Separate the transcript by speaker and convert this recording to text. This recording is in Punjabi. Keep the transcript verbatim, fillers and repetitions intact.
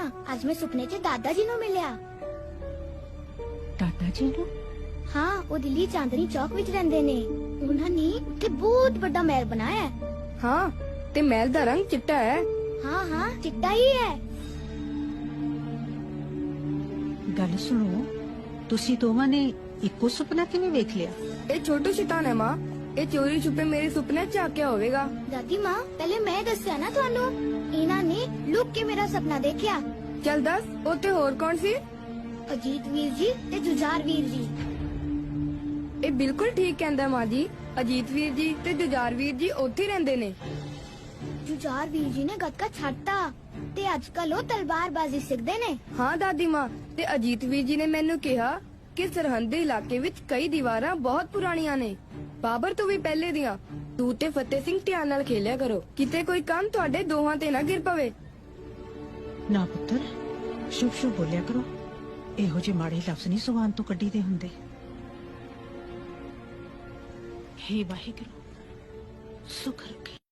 Speaker 1: ਅੱਜ ਮੈਂ ਸੁਪਨੇ 'ਚ ਦਾਦਾ ਜੀ ਨੂੰ ਮਿਲਿਆ।
Speaker 2: ਦਾਦਾ ਜੀ ਨੂੰ?
Speaker 1: ਹਾਂ, ਉਹ ਦਿੱਲੀ ਚਾਂਦਨੀ ਚੌਕ ਵਿੱਚ ਰਹਿੰਦੇ ਨੇ। ਉਹਨਾਂ ਨੇ ਉੱਥੇ ਬਹੁਤ ਵੱਡਾ ਮਹਿਲ ਬਣਾਇਆ ਹੈ।
Speaker 3: ਹਾਂ, ਤੇ ਮਹਿਲ ਦਾ ਰੰਗ ਚਿੱਟਾ ਹੈ।
Speaker 1: ਹਾਂ ਹਾਂ, ਚਿੱਟਾ ਹੀ ਹੈ।
Speaker 2: ਗੱਲ ਸੁਣੋ, ਤੁਸੀਂ ਦੋਵਾਂ ਨੇ ਇੱਕੋ ਸੁਪਨਾ ਕਿਵੇਂ ਵੇਖ ਲਿਆ?
Speaker 3: ਇਹ ਛੋਟੂ ਸ਼ੈਤਾਨ ਹੈ ਮਾਂ। ਇਹ ਚੋਰੀ ਛੁਪੇ ਮੇਰੇ ਸੁਪਨੇ ਚ ਆਕਿਆ ਹੋਵੇਗਾ।
Speaker 1: ਦਾਦੀ ਮਾਂ, ਪਹਿਲੇ ਮੈਂ ਦੱਸਿਆ ਨਾ ਤੁਹਾਨੂੰ, ਇਹਨਾਂ ਨੇ ਲੁੱਕ ਕੇ ਮੇਰਾ ਸੁਪਨਾ ਦੇਖਿਆ।
Speaker 3: ਚੱਲ ਦੱਸ, ਉੱਥੇ ਹੋਰ ਕੌਣ ਸੀ?
Speaker 1: ਅਜੀਤ ਵੀਰ ਜੀ ਤੇ ਜੁਝਾਰ ਵੀਰ ਜੀ।
Speaker 3: ਇਹ ਬਿਲਕੁਲ ਠੀਕ ਕਹਿੰਦਾ ਮਾਂ ਜੀ। ਅਜੀਤ ਵੀਰ ਜੀ ਤੇ ਜੁਝਾਰ ਵੀਰ ਜੀ ਉੱਥੇ ਹੀ ਰਹਿੰਦੇ ਨੇ।
Speaker 1: ਜੁਝਾਰ ਵੀਰ ਜੀ ਨੇ ਗੱਤਕਾ ਛੱਡਤਾ ਤੇ ਅੱਜ ਕੱਲ ਉਹ ਤਲਵਾਰਬਾਜ਼ੀ ਸਿੱਖਦੇ ਨੇ।
Speaker 3: ਹਾਂ ਦਾਦੀ ਮਾਂ, ਤੇ ਅਜੀਤ ਵੀਰ ਜੀ ਨੇ ਮੈਨੂੰ ਕਿਹਾ ਕਿ ਸਰਹੰਦੀ ਇਲਾਕੇ ਵਿੱਚ ਕਈ ਦੀਵਾਰਾਂ ਬਹੁਤ ਪੁਰਾਣੀਆਂ ਨੇ, ਬਾਬਰ ਤੋਂ ਵੀ ਪਹਿਲੇ ਦੀਆਂ। ਤੂੰ ਤੇ ਫਤਿਹ ਸਿੰਘ ਧਿਆਨ ਨਾਲ ਖੇਲਿਆ ਕਰੋ, ਕਿਤੇ ਕੋਈ ਕੰਮ ਤੁਹਾਡੇ ਦੋਹਾਂ ਤੇ ਨਾ ਗਿਰ ਪਵੇ।
Speaker 2: ਨਾ ਪੁੱਤਰ, ਸ਼ੁਭ ਸ਼ੁਭ ਬੋਲਿਆ ਕਰੋ। ਇਹੋ ਜਿਹੇ ਮਾੜੇ ਲਫ਼ਜ਼ ਨਹੀਂ ਜ਼ੁਬਾਨ ਤੋਂ ਕੱਢੀ ਦੇ ਹੁੰਦੇ। ਹੇ ਵਾਹਿਗੁਰੂ, ਸੁਖ ਰੱਖੇ।